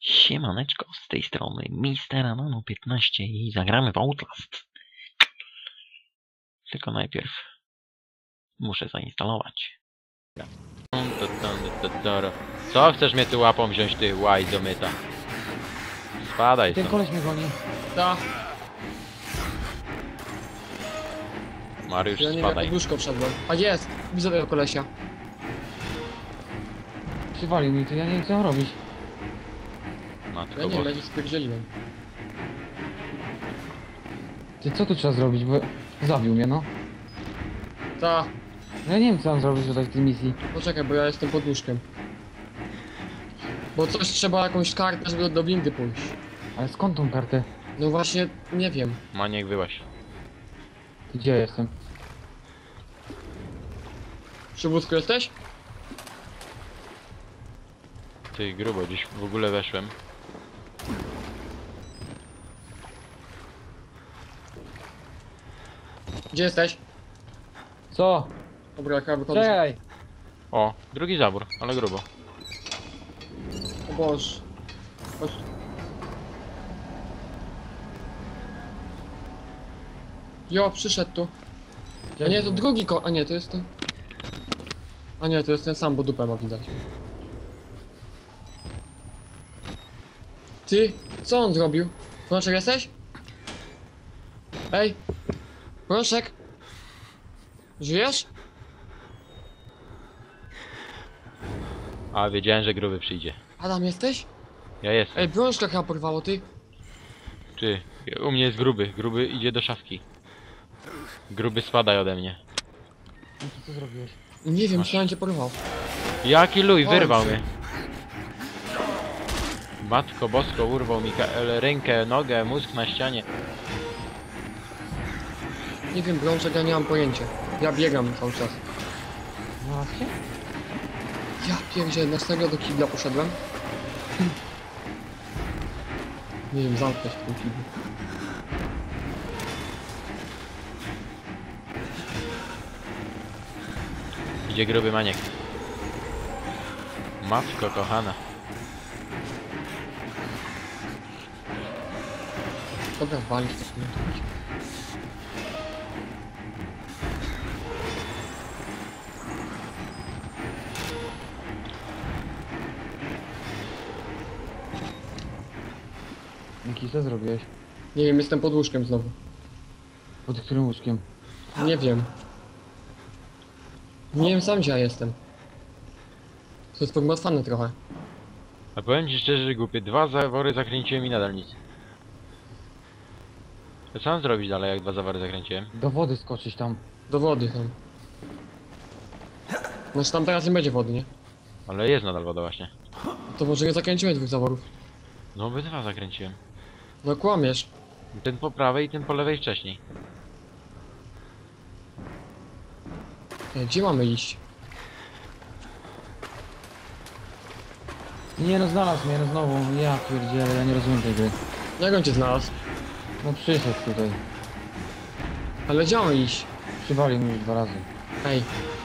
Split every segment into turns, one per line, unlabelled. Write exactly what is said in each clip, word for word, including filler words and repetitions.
Siemaneczko, z tej strony mister Anano piętnaście i zagramy w Outlast. Tylko najpierw muszę zainstalować. Co chcesz mnie tu łapą wziąć, ty łaj do myta? Spadaj
Ten
stąd.
koleś mnie goni.
Ta,
Mariusz,
ja nie wiem,
spadaj.
jak łóżko wszedłem. A jest! Widzę tego kolesia.
Przywalił mi to, ja nie wiem co mam robić.
Matko
Ja nie wiem,
boska.
ja się spierdzieliłem.
Ty co tu trzeba zrobić, bo zabił mnie no.
Ta,
No ja nie wiem co mam zrobić tutaj w tej misji.
poczekaj, bo ja jestem pod łóżkiem. Bo coś trzeba, jakąś kartę, żeby do windy pójść.
Ale skąd tą kartę?
No właśnie, nie wiem.
Maniek, wyłaś.
Ty gdzie jestem?
Przy wózku jesteś?
Ty grubo, gdzieś w ogóle weszłem.
Gdzie jesteś?
Co?
Dobra, chyba wychodzę.
Czekaj!
O, drugi zabór, ale grubo.
O Boże. Chodź. Jo, przyszedł tu. A nie, to drugi ko... A nie, to jest ten... A nie, to jest ten sam, bo dupę ma widać. Ty, co on zrobił? Proszek jesteś? Ej! Proszek! Żyjesz?
A, wiedziałem, że gruby przyjdzie.
Adam, jesteś?
Ja jestem.
Ej, brączka chyba porwało, ty.
Ty, u mnie jest gruby. Gruby idzie do szafki. Gruby, spadaj ode mnie.
No to co zrobiłeś?
Nie wiem,
Masz.
czy on cię porwał.
Jaki luj,
Oj,
wyrwał
ty.
mnie. Matko bosko, urwał mi rękę, nogę, mózg na ścianie.
Nie wiem, brączek, ja nie mam pojęcia. Ja biegam cały czas.
Znalazł się?
Ja pierdzielę, na serio do kibla poszedłem? Hm. Nie wiem, zamknąć w tym kiblu.
Idzie gruby maniek. Matko kochana.
Dobra, walić to sobie.
Miki, co zrobiłeś?
Nie wiem, jestem pod łóżkiem znowu.
Pod którym łóżkiem?
Nie wiem. Nie wiem sam, gdzie ja jestem. To jest pogmatwane trochę.
A powiem ci szczerze, że głupie. Dwa zawory zakręciłem i nadal nic. To co mam zrobić dalej, jak dwa zawory zakręciłem?
Do wody skoczyć tam.
Do wody tam. Znaczy tam teraz nie będzie wody, nie?
Ale jest nadal woda właśnie.
To może nie zakręciłem dwóch zaworów.
No obydwa zakręciłem.
No kłamiesz.
Ten po prawej i ten po lewej wcześniej.
Ej, gdzie mamy iść?
Nie no, znalazł mnie no znowu. Ja pierdzielę, ja nie rozumiem tej gry.
Jak on cię znalazł?
No przyszedł tutaj.
Ale gdzie mamy iść?
Przywalił mi już dwa razy.
Ej.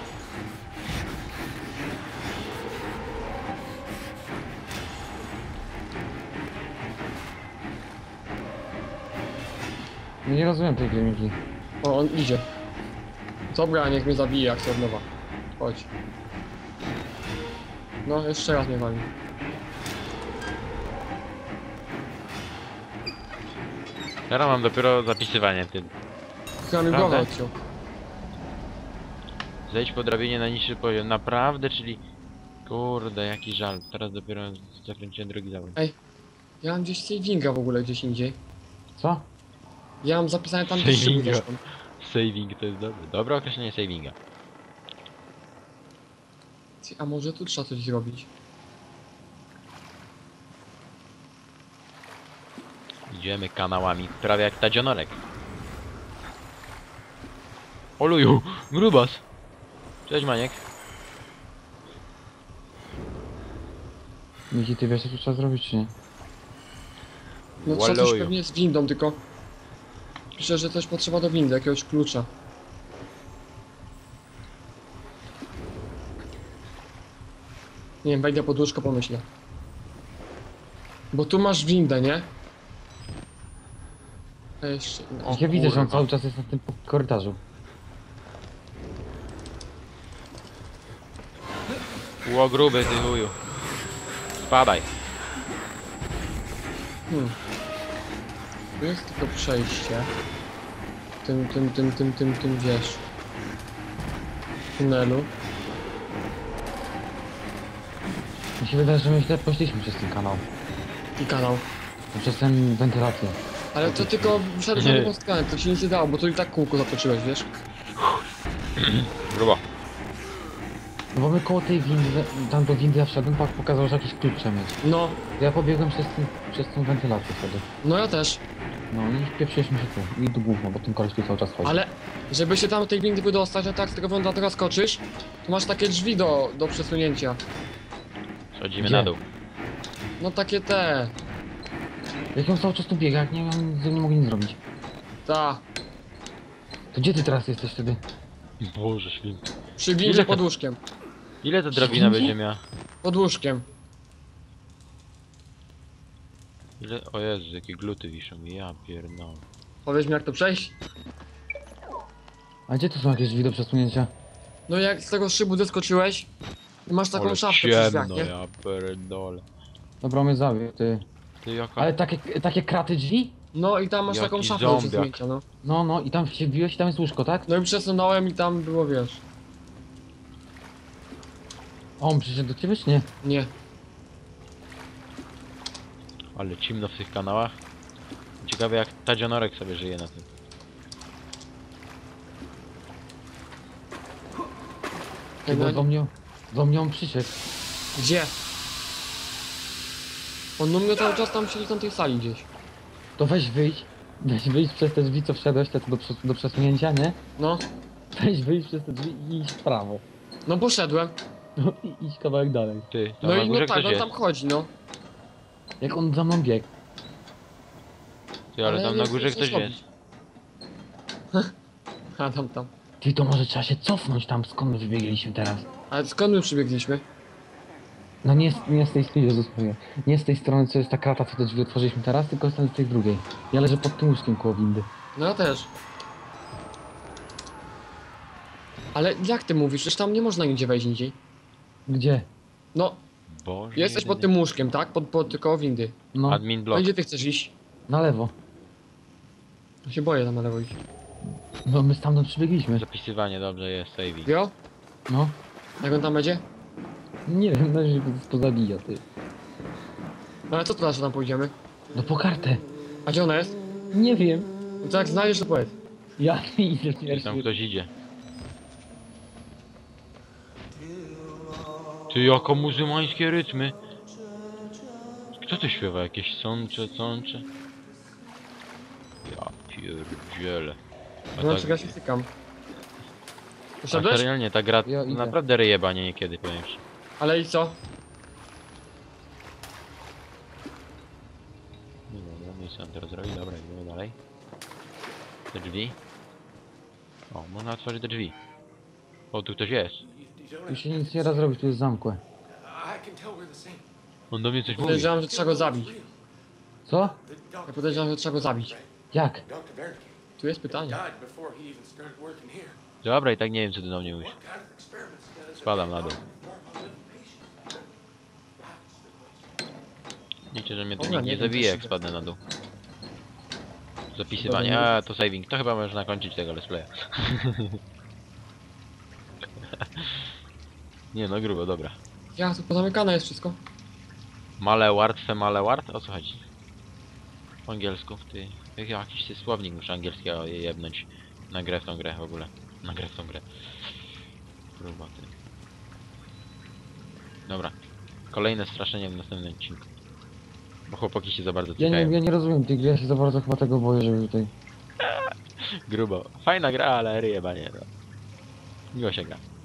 No nie rozumiem tej gry, Miki.
O, on idzie. Dobra, niech mnie zabije, jak chcę od nowa. Chodź. No, jeszcze raz mnie wali.
Teraz mam dopiero zapisywanie, ty.
Chyba mi
Prawda?
głowę odciął.
Zejdź po drabinie na niższy poziom. Naprawdę, czyli... Kurde, jaki żal. Teraz dopiero zakręciłem drugi zawód.
Ja mam gdzieś savinga w ogóle, gdzieś indziej.
Co?
Ja mam zapisane tam gdzieś szybko
Savinga.
zresztą.
Saving to jest dobre. Dobre określenie savinga.
Ty, a może tu trzeba coś zrobić?
Idziemy kanałami, prawie jak tadzionorek. Oluju, grubas! Cześć Maniek.
Miki, ty wiesz co tu trzeba zrobić, czy nie?
No trzeba coś
Łaluju.
pewnie z windą, tylko... Piszę, że coś potrzeba do windy, jakiegoś klucza. Nie wiem, wejdę pod łóżko, pomyślę. Bo tu masz windę, nie? A jeszcze...
O,
Ja widzę, że on
kurwa.
cały czas jest na tym korytarzu.
Ło gruby ty chuju. Spadaj.
Hmm. Tu jest tylko przejście. Tym, tym, tym, tym, tym, tym, wiesz. Tunelu.
Mi się wydaje, że my źle poszliśmy przez ten kanał.
I kanał.
Przez ten wentylację.
Ale to tylko wszedłeś na
Nie.
drugą stronę, to się nic nie dało, bo tu i tak kółko zatoczyłeś, wiesz?
Grubo.
No bo my koło tej windy, tam do windy ja wszedłem, pak pokazał, że jakiś klucz trzeba mieć.
No,
To ja pobiegłem przez, ten, przez tą wentylację wtedy.
no ja też.
No i wpieprzyliśmy się tu. I do gówno, bo ten koleś tu cały czas chodzi.
Ale, żeby się tam tej windy wydostać, a tak z tego wędra teraz skoczysz, to masz takie drzwi do, do przesunięcia.
Schodzimy
Gdzie?
na dół.
No takie te,
Jak on cały czas tu biega, jak nie, nie, nie mogę nic zrobić.
ta,
To gdzie ty teraz jesteś wtedy?
Boże święty.
przy
Ile
windzie
to-
pod łóżkiem.
Ile ta drabina
Wszędzie?
będzie miała?
Pod łóżkiem.
Ile? O Jezu, jakie gluty wiszą. Ja pierdolę.
Powiedz mi jak to przejść?
A gdzie tu są jakieś drzwi do przesunięcia?
No jak z tego szybu zeskoczyłeś, i masz taką
Ale
szafkę przy drzwiach,
ciemno,
nie?
ja pierdolę.
Dobra, mnie zabił, ty.
Ty jaka...
Ale takie, takie kraty drzwi?
No i tam masz
Jaki
taką szafkę do
zombiak.
przesunięcia, no.
No, no i tam się wbiłeś i tam jest łóżko, tak?
No i przesunąłem i tam było, wiesz,
O, on przyszedł do ciebie czy nie?
nie.
Ale cimno w tych kanałach. Ciekawe jak Tadzionorek sobie żyje na tym.
Ty, bo do mnie, do mnie on przyszedł.
Gdzie? On u mnie cały czas tam siedzi na tej sali gdzieś.
To weź wyjść, weź wyjść przez te drzwi, co wszedłeś, te co do, przes- do przesunięcia, nie?
No,
Weź wyjść przez te drzwi i iść w prawo.
no poszedłem.
No i idź kawałek dalej.
Ty, tam
No
na
i
górze
no tak,
ktoś
on
jest.
tam chodzi, no.
Jak on za mną biegł.
Ty, ale
ja
tam
nie
na
wiem,
górze
co
ktoś
zrobić.
jest.
A tam, tam.
Ty, to może trzeba się cofnąć tam, skąd my wybiegliśmy teraz?
Ale skąd my przybiegliśmy?
No nie, z- nie z tej strony, Jezus Maria. Nie z tej strony, co jest ta krata, co te drzwi otworzyliśmy teraz, tylko z tej drugiej. Ja leżę pod tym łóżkiem koło windy.
No ja też. Ale jak ty mówisz? Przecież tam nie można nigdzie wejść indziej.
Gdzie?
No,
Boże
jesteś pod
jedyny.
tym łóżkiem, tak? Pod, pod koło windy.
No,
Admin
No
blok.
i gdzie ty chcesz iść?
na lewo.
Ja się boję tam na lewo iść.
No my stamtąd przybiegliśmy.
Zapisywanie, dobrze jest, saving.
Jo?
No.
Jak on tam będzie?
Nie wiem, no się pozabija, ty.
No ale co teraz, że tam pójdziemy?
No po kartę.
A gdzie ona jest?
Nie wiem.
No to jak znajdziesz, to powiedz.
Ja nie idę
Gdzieś
pierwszy.
tam ktoś idzie. Ty, jako muzułmańskie rytmy. Kto tu śpiewa? Jakieś sącze, sącze? Ja pierdzielę. A
No
tak,
czekaj, ja się stykam.
a
Poszedłeś?
serialnie ta gra
Ja idę.
naprawdę ryjebanie niekiedy, powiem ci.
Ale i co?
Nie dobra, nic nam teraz zrobi, dobra, idziemy dalej. Te drzwi. O, można otworzyć te drzwi. O, tu ktoś jest.
Tu się nic nie da zrobić, tu jest zamkłe.
On do mnie coś mówi.
Podejrzewam, że trzeba go zabić.
Co?
Ja podejrzewam, że trzeba go zabić.
Jak?
Tu jest pytanie.
Dobra, i tak nie wiem co ty do mnie mówisz. Spadam na dół. Liczę, że mnie to
Dobra,
nikt
nie
nie
wiem,
zabije
co
jak
się
spadnę na dół. Zapisywanie,
Dobra, nie-
a to saving. To chyba można kończyć tego let's playa. Nie no, grubo, dobra.
Ja, tu pozamykane jest wszystko.
Malewart, femalewart? O co chodzi? Po angielsku, ty. Jak jakiś ty słownik muszę angielskiego je jebnąć. Na grę w tą grę w ogóle. Na grę w tą grę. Grubo, ty. Dobra. Kolejne straszenie w następnym odcinku. Bo chłopaki się za bardzo
Ja
cykają.
nie, ja nie rozumiem tej gry, ja się za bardzo chyba tego boję, żeby tutaj...
Grubo. Fajna gra, ale ryjebanie. No. Miło się gra.